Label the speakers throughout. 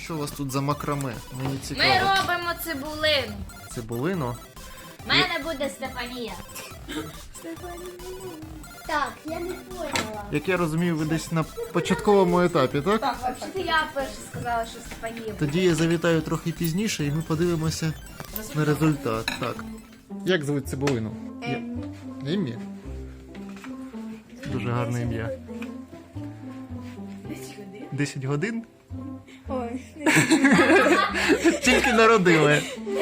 Speaker 1: Що у вас тут за макраме? Мені
Speaker 2: Ми
Speaker 1: цікаво.
Speaker 2: робимо цибулину.
Speaker 1: Цибулину?
Speaker 2: У мене буде Стефанія.
Speaker 3: Так, я не поняла.
Speaker 1: Як я розумію, ви десь на початковому етапі, так?
Speaker 2: Так, взагалі я перше сказала, що Стефанія.
Speaker 1: Тоді я завітаю трохи пізніше і ми подивимося на результат. Так. Як звуть цибулину? Еммі? Дуже гарне ім'я. 10 годин?
Speaker 3: Ой,
Speaker 1: Тільки народили.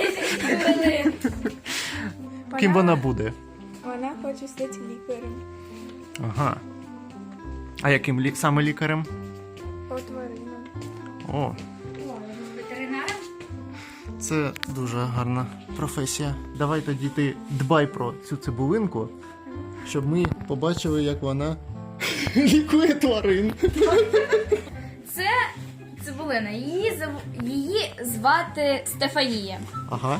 Speaker 1: Ким вона буде?
Speaker 3: вона хоче стати лікарем.
Speaker 1: Ага. А яким саме лікарем?
Speaker 3: По тваринам.
Speaker 1: О,
Speaker 2: Ветеринаром?
Speaker 1: це дуже гарна професія. Давай тоді ти дбай про цю цибулинку, щоб ми побачили, як вона лікує тварин.
Speaker 2: Це цибулина. Її звати Стефанія.
Speaker 1: Ага,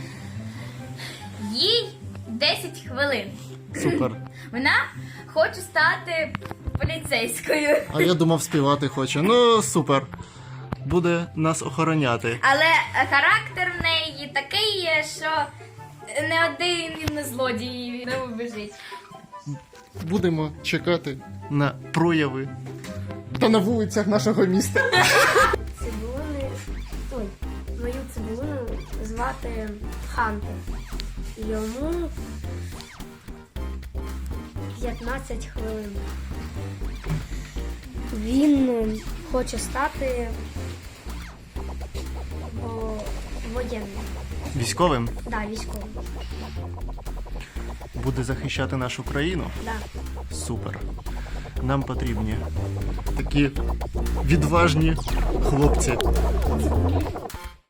Speaker 2: Їй 10 хвилин.
Speaker 1: супер.
Speaker 2: Вона хоче стати поліцейською.
Speaker 1: А я думав, співати хоче. Ну, супер. Буде нас охороняти.
Speaker 2: Але характер в неї такий є, що не один злодій не убежить.
Speaker 1: Будемо чекати на прояви та на вулицях нашого міста.
Speaker 3: Цибулини. Ой, мою цибулину звати Хантер. Йому 15 хвилин. Він хоче стати воєнним.
Speaker 1: Військовим
Speaker 3: Да, військовим.
Speaker 1: буде захищати нашу країну.
Speaker 3: Да.
Speaker 1: Супер. Нам потрібні такі відважні хлопці.